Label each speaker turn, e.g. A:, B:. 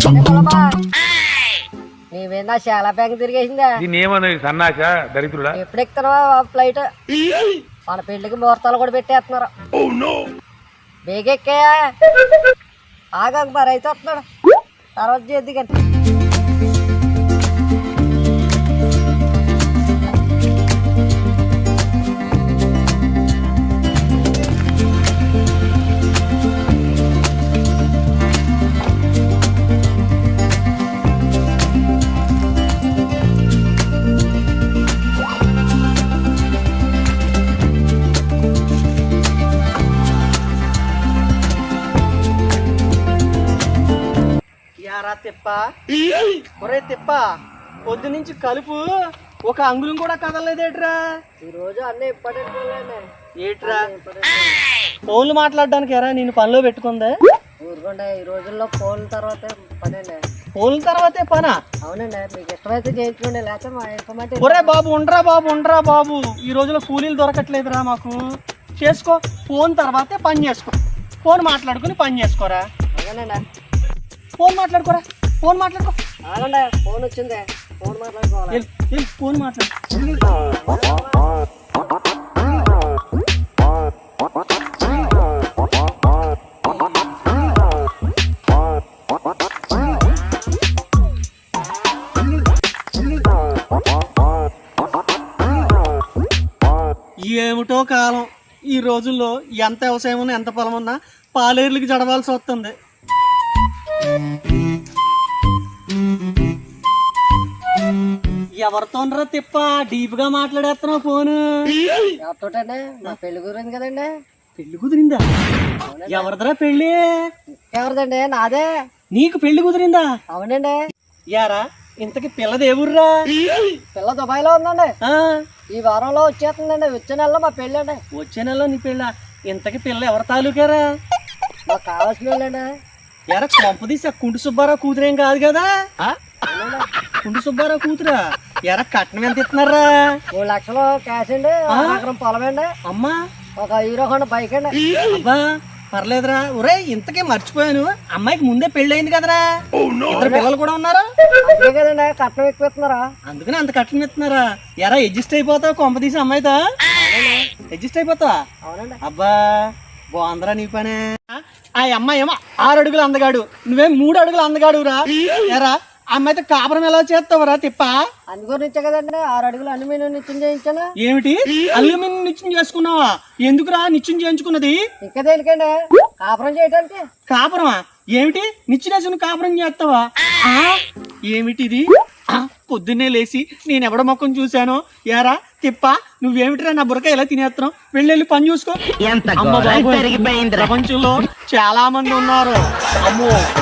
A: నీవేనా చాలా బ్యాంక్ తిరిగేసిందా?
B: సన్నాస దరిద్రుడా.
A: ఎప్పుడు ఎక్కుతున్నావా ఫ్లైట్? మన పెళ్లికి ముహూర్తాలు కూడా పెట్టేస్తున్నారు. బేగెక్కాయా? ఆగాక మరి అయితే వస్తున్నాడు, తర్వాత చేద్ది కానీ.
C: తిప్ప పొద్దు నుంచి కలుపు ఒక అంగుళం కూడా కదలలేదేట్రా?
A: ఈ రోజు అన్నీ ఇంపార్టెంట్
C: ఏట్రా ఫోన్లు మాట్లాడడానికి ఎరా నేను పనిలో పెట్టుకుందా?
A: ఊరుకోండి, ఈ రోజుల్లో ఫోన్ తర్వాత పనండి.
C: ఫోన్ల తర్వాతే పనా?
A: అవునండి, మీకు ఇష్టమైతే చేయించుకోండి, లేకపోతే మా ఇన్ఫర్మేటివ్.
C: ఒరే బాబు ఉండరా బాబు, ఈ రోజులో కూలీలు దొరకట్లేదురా మాకు. చేసుకో, ఫోన్ తర్వాతే పని చేసుకో. ఫోన్ మాట్లాడుకుని పని చేసుకోరా.
A: అవునండి,
C: ఫోన్ మాట్లాడుకోరా. ఫోన్ మాట్లాడుకో.
A: ఆగండి, ఫోన్ వచ్చింది, ఫోన్ మాట్లాడుకోవాలి.
C: ఫోన్ మాట్లాడు. ఏమిటో కాలం, ఈ రోజుల్లో ఎంత వ్యవసాయం ఉన్నా ఎంత పొలం ఉన్నా పాలేర్లకి జడవాల్సి వస్తుంది. ఎవరితోనరా తిప్ప డీప్ గా మాట్లాడేస్తున్నావు ఫోను?
A: ఎవరితోటండి? నా పెళ్లి కుదిరింది కదండి.
C: పెళ్లి కుదిరిందా? ఎవరిదరా పెళ్లి?
A: ఎవరిదండి? నాదే.
C: నీకు పెళ్లి కుదిరిందా?
A: అవునండి.
C: యారా ఇంతకి పిల్లది ఏ ఊర్రా?
A: పిల్ల దుబాయ్ లో ఉందండి. ఈ వారంలో వచ్చేస్తుందండి, వచ్చే నెలలో మా పెళ్ళి అండి.
C: వచ్చే నెలలో నీ పెళ్ళ? ఇంతకి పిల్ల ఎవరి తాలూకారా?
A: మాకు కావాల్సిన వాళ్ళండి.
C: ఎరా కొంపదీసి కుంటు సుబ్బారావు కూతురేం కాదు కదా? కుంటు సుబ్బారావు కూతురా? ఎరా కట్నం ఎంత ఇస్తున్నారా?
A: 3 లక్షలు క్యాష్ అండి, 1 ఎకరం పొలం అండి,
C: అమ్మా
A: ఒక హీరో హోండా బైక్ అండి.
C: అబ్బా పర్లేదురా. ఒరే ఇంతకే మర్చిపోయాను, అమ్మాయికి ముందే పెళ్లి అయింది కదరా? 2 పిల్లలు కూడా ఉన్నారా?
A: అంతే కదండి, కట్నం ఎక్కువ ఇస్తున్నారా?
C: అందుకని అంత కట్నం ఇస్తున్నారా? ఎరా అడ్జస్ట్ అయిపోతావు కొంపదీసి అమ్మాయితో? అడ్జస్ట్ అయిపోతావా?
A: అవునండి.
C: అబ్బా బాగుందరా నీ పనే. ఆ అమ్మాయి ఏమో 6 అడుగులు అందగాడు, నువ్వేం 3 అడుగులు అందగాడురా. ఎరా అమ్మాయితో కాపురం ఎలా చేస్తావురా తిప్ప?
A: అందుగురించే కదండి 6 అడుగులు అల్యూమినియం నిత్యం చేయించాను.
C: ఏమిటి అల్యూమినియం నిత్యం చేసుకున్నావా? ఎందుకురా నిత్యం చేయించుకున్నది?
A: ఇంకా దేనికండి? కాపురం చేయడానికి.
C: కాపురమా? ఏమిటి నిత్యం కాపురం చేస్తావా? ఏమిటిది? పొద్దున్నే లేచి నేను ఎవడ మొక్కం చూశాను. ఏరా తిప్ప నువ్వేమిటిరా నా బుర్రక ఎలా తినేస్తున్నావు? వెళ్ళి పని చూసుకో. ప్రపంచంలో చాలా మంది ఉన్నారు. అమ్మో